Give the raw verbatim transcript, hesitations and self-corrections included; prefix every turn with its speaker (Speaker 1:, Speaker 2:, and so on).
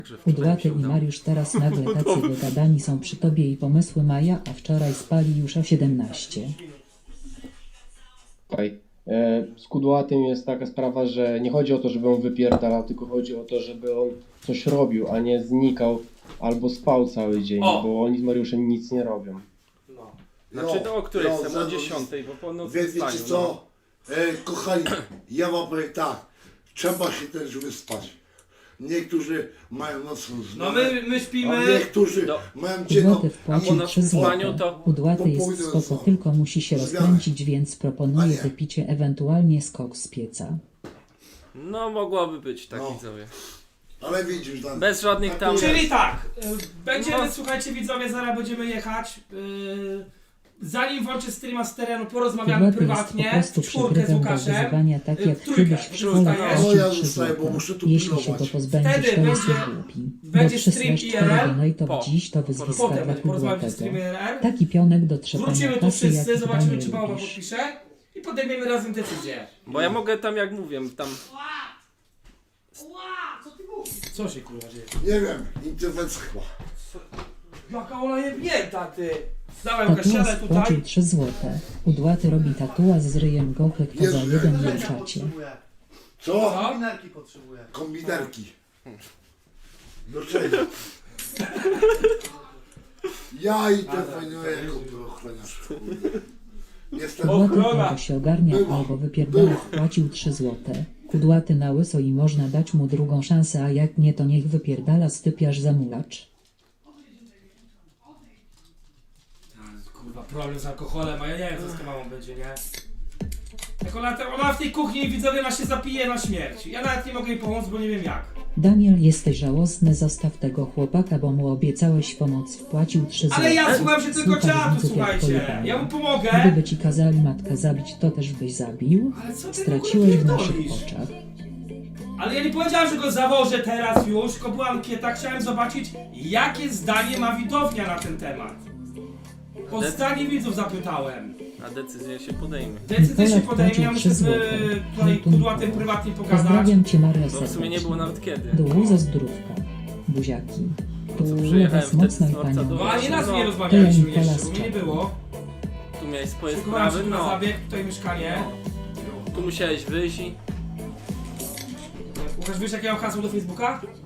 Speaker 1: Kudłaty i Mariusz teraz nagle tacy wygadani są przy tobie i pomysły Maja, a wczoraj spali już o siedemnaście.
Speaker 2: Słuchaj, e, z Kudłatym jest taka sprawa, że nie chodzi o to, żeby on wypierdalał, tylko chodzi o to, żeby on coś robił, a nie znikał albo spał cały dzień,
Speaker 3: O!
Speaker 2: bo oni z Mariuszem nic nie robią.
Speaker 3: No.
Speaker 4: Znaczy to o której
Speaker 5: jo,
Speaker 4: chcę? O
Speaker 5: zaraz-
Speaker 4: dziesiątej, bo po nocy
Speaker 5: Wie,
Speaker 4: wstaniu,
Speaker 5: wiecie
Speaker 4: no.
Speaker 5: co? E, kochani, ja wam powiem tak. Trzeba się też wyspać. Niektórzy mają nocną zmianę,
Speaker 3: No my, my
Speaker 5: a
Speaker 3: śpimy.
Speaker 5: niektórzy
Speaker 4: No.
Speaker 5: mają dzienną.
Speaker 1: Kudłaty
Speaker 4: a po
Speaker 1: wpłacił
Speaker 4: naszym
Speaker 1: trzy
Speaker 4: spaniu
Speaker 1: złote.
Speaker 4: to-
Speaker 1: Kudłaty jest
Speaker 5: pójdę
Speaker 1: spoko,
Speaker 5: co?
Speaker 1: tylko musi się
Speaker 5: Zmianę.
Speaker 1: rozkręcić, więc proponuję
Speaker 5: A nie.
Speaker 1: wypicie, ewentualnie skok z pieca.
Speaker 4: No mogłoby być tak,
Speaker 5: No.
Speaker 4: widzowie.
Speaker 5: Ale widzisz, Dan,
Speaker 4: Bez żadnych tam...
Speaker 5: Czyli-
Speaker 3: Czyli tak, y, będziemy,
Speaker 4: No.
Speaker 3: słuchajcie widzowie, zaraz będziemy jechać. y, Zanim włączę streama z terenu, porozmawiamy
Speaker 1: Kudłaty jest po
Speaker 3: prywatnie,
Speaker 1: prostu
Speaker 3: w czwórkę z
Speaker 1: przygrywem do
Speaker 3: Łukaszem.
Speaker 1: wyzywania, tak
Speaker 3: Y,
Speaker 1: jak
Speaker 3: trójkę.
Speaker 1: kiedyś w szkole
Speaker 3: Zostajesz?
Speaker 5: No, ja
Speaker 1: płacił trzy
Speaker 5: zostaję, bo
Speaker 1: złote.
Speaker 5: muszę tu
Speaker 1: Jeśli się go
Speaker 5: pilnować.
Speaker 1: pozbędziesz,
Speaker 3: Wtedy
Speaker 1: to jest
Speaker 3: będzie-
Speaker 1: głupi. Bo
Speaker 3: będzie stream
Speaker 1: przysłać
Speaker 3: I R L?
Speaker 1: cztery donate'ów
Speaker 4: Po.
Speaker 1: dziś to wyzwiska
Speaker 3: Potem
Speaker 1: dla
Speaker 3: porozmawiamy z
Speaker 1: Kudłatego.
Speaker 3: streamie I R L.
Speaker 1: Taki pionek do trzepania
Speaker 3: Wrócimy tu
Speaker 1: kasy, jak
Speaker 3: wszyscy, zobaczymy
Speaker 1: Daniel
Speaker 3: czy Małpa
Speaker 1: lubisz.
Speaker 3: podpisze i podejmiemy razem decyzję.
Speaker 4: Bo ja mogę tam, jak mówię, tam...
Speaker 3: Co się kurwa dzieje?
Speaker 5: nie wiem, interwencja chyba.
Speaker 3: Jaka ona jebnięta ty! Dawaj Łukasz,
Speaker 1: Tatuaż
Speaker 3: siadaj
Speaker 1: wpłacił
Speaker 3: tutaj.
Speaker 1: trzy złote. Kudłaty robi tatuaż z ryjem gochy, kto za
Speaker 5: Jezu,
Speaker 1: jeden
Speaker 5: ja-
Speaker 1: na czacie.
Speaker 5: Co?
Speaker 3: Co?
Speaker 6: Kombinerki potrzebuję.
Speaker 5: Kombinerki. Do czego? Ja interweniuję jako ochroniarz. kurde. Jestem...
Speaker 3: O,
Speaker 1: Kudłaty albo się ogarnia,
Speaker 5: Była.
Speaker 1: albo wypierdala, wpłacił trzy złote. Kudłaty na łyso i można dać mu drugą szansę, a jak nie to niech wypierdala stypiarz zamulacz.
Speaker 3: Kurwa, problem z alkoholem, a ja nie wiem co z kawałą będzie, nie? Jak ona, ona w tej kuchni, widzowie, ona się zapije na śmierć. Ja nawet nie mogę jej pomóc, bo nie wiem jak.
Speaker 1: Daniel, jesteś żałosny, zostaw tego chłopaka, bo mu obiecałeś pomoc, wpłacił trzy złote.
Speaker 3: Ale ja słucham się tylko
Speaker 1: Słuchaj
Speaker 3: czatu,
Speaker 1: widzów jak
Speaker 3: słuchajcie.
Speaker 1: pojebane.
Speaker 3: Ja mu pomogę.
Speaker 1: Gdyby ci kazali matkę zabić, to też byś zabił?
Speaker 3: Ale co ty
Speaker 1: Straciłeś w
Speaker 3: w ogóle
Speaker 1: naszych
Speaker 3: pierdolisz?
Speaker 1: oczach.
Speaker 3: Ale ja nie powiedziałem, że go zawożę teraz już, tylko była ankieta, chciałem zobaczyć, jakie zdanie ma widownia na ten temat. O zdanie widzów zapytałem.
Speaker 4: A decyzję się podejmie.
Speaker 3: Decyzję się
Speaker 1: Polak
Speaker 3: podejmie, ja
Speaker 1: płacił
Speaker 3: muszę
Speaker 1: trzy
Speaker 3: z
Speaker 1: złote.
Speaker 3: y, tutaj
Speaker 1: Hejtu
Speaker 3: kudłatym
Speaker 1: Nikola.
Speaker 3: prywatnie pogadać.
Speaker 1: Pozdrawiam cię, Maria,
Speaker 4: Bo w sumie nie było
Speaker 1: serdecznie.
Speaker 4: nawet kiedy.
Speaker 1: Dół ze zdrówka. Buziaki.
Speaker 4: co,
Speaker 1: Tu
Speaker 4: przyjechałem
Speaker 1: was
Speaker 4: wtedy
Speaker 1: mocno
Speaker 4: z
Speaker 1: i
Speaker 4: dworca do-
Speaker 1: panią.
Speaker 3: No ani raz nie
Speaker 4: No.
Speaker 3: rozmawialiśmy
Speaker 1: To ja Nikola
Speaker 3: jeszcze,
Speaker 1: z
Speaker 3: bo mnie nie
Speaker 1: czatu.
Speaker 3: było.
Speaker 4: Tu miałeś swoje
Speaker 3: Szykowałem
Speaker 4: sprawy,
Speaker 3: się na
Speaker 4: no.
Speaker 3: zabieg, tutaj mieszkanie.
Speaker 4: Tu musiałeś wyjść i...
Speaker 3: Łukasz, wiesz jakie mam hasło do Facebooka?